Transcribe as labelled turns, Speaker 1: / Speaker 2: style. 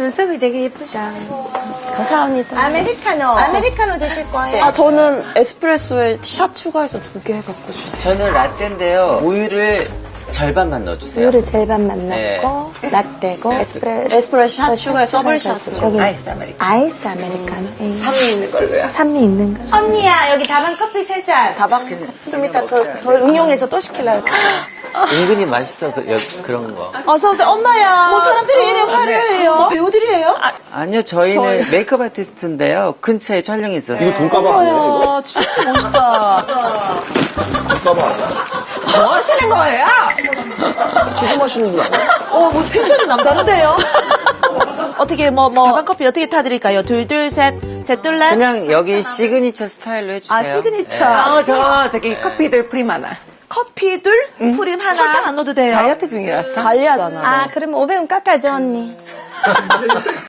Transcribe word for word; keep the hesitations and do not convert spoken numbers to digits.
Speaker 1: 눈썹이 되게 예쁘시다. 감사합니다. 아메리카노. 아메리카노 드실 거예요?
Speaker 2: 아, 저는 에스프레소에 샷 추가해서 두 개 갖고 주세요.
Speaker 3: 저는 라떼인데요. 우유를 절반만 넣어주세요.
Speaker 1: 우유를 절반만
Speaker 3: 네.
Speaker 1: 넣고 라떼고 에스프레소
Speaker 2: 에스프레소 샷 추가해서 더블
Speaker 1: 추가해서
Speaker 2: 샷으로.
Speaker 1: 여기
Speaker 3: 아이스 아메리카노.
Speaker 1: 아이스 아메리카노. 예.
Speaker 3: 산미 있는 걸로요.
Speaker 1: 산미 있는 거. 언니야 여기 다방 커피 세 잔.
Speaker 2: 다방
Speaker 1: 좀 이따 더, 더 응용해서 또 시키려고.
Speaker 3: 은근히 맛있어, 그, 여, 그런 거.
Speaker 2: 어서오세요. 엄마야. 뭐 사람들이 이래 화려해요. 뭐 배우들이에요? 아,
Speaker 3: 아니요, 저희는 메이크업 아티스트인데요. 근처에 촬영이 있어서.
Speaker 4: 이거 돈가방 아니에요?
Speaker 2: 엄마야. 진짜 멋있다.
Speaker 4: 돈가방 아니야?
Speaker 2: 뭐 하시는 거예요?
Speaker 4: 투금하시는 분 아니에요?
Speaker 2: 어, 뭐 텐션이 남다른데요? 어떻게, 뭐, 뭐. 다방 커피 어떻게 타드릴까요? 둘, 둘, 셋, 셋, 둘, 넷.
Speaker 3: 그냥 여기 시그니처 스타일로 해주세요.
Speaker 2: 아, 시그니처.
Speaker 3: 네.
Speaker 5: 아, 저, 저기, 커피들 프림 하나.
Speaker 2: 커피 둘, 프림 하나. 설탕 안 넣어도 돼요.
Speaker 5: 다이어트 중이라서.
Speaker 2: 관리하잖아.
Speaker 1: 아 그러면 오백 원 깎아줘 언니.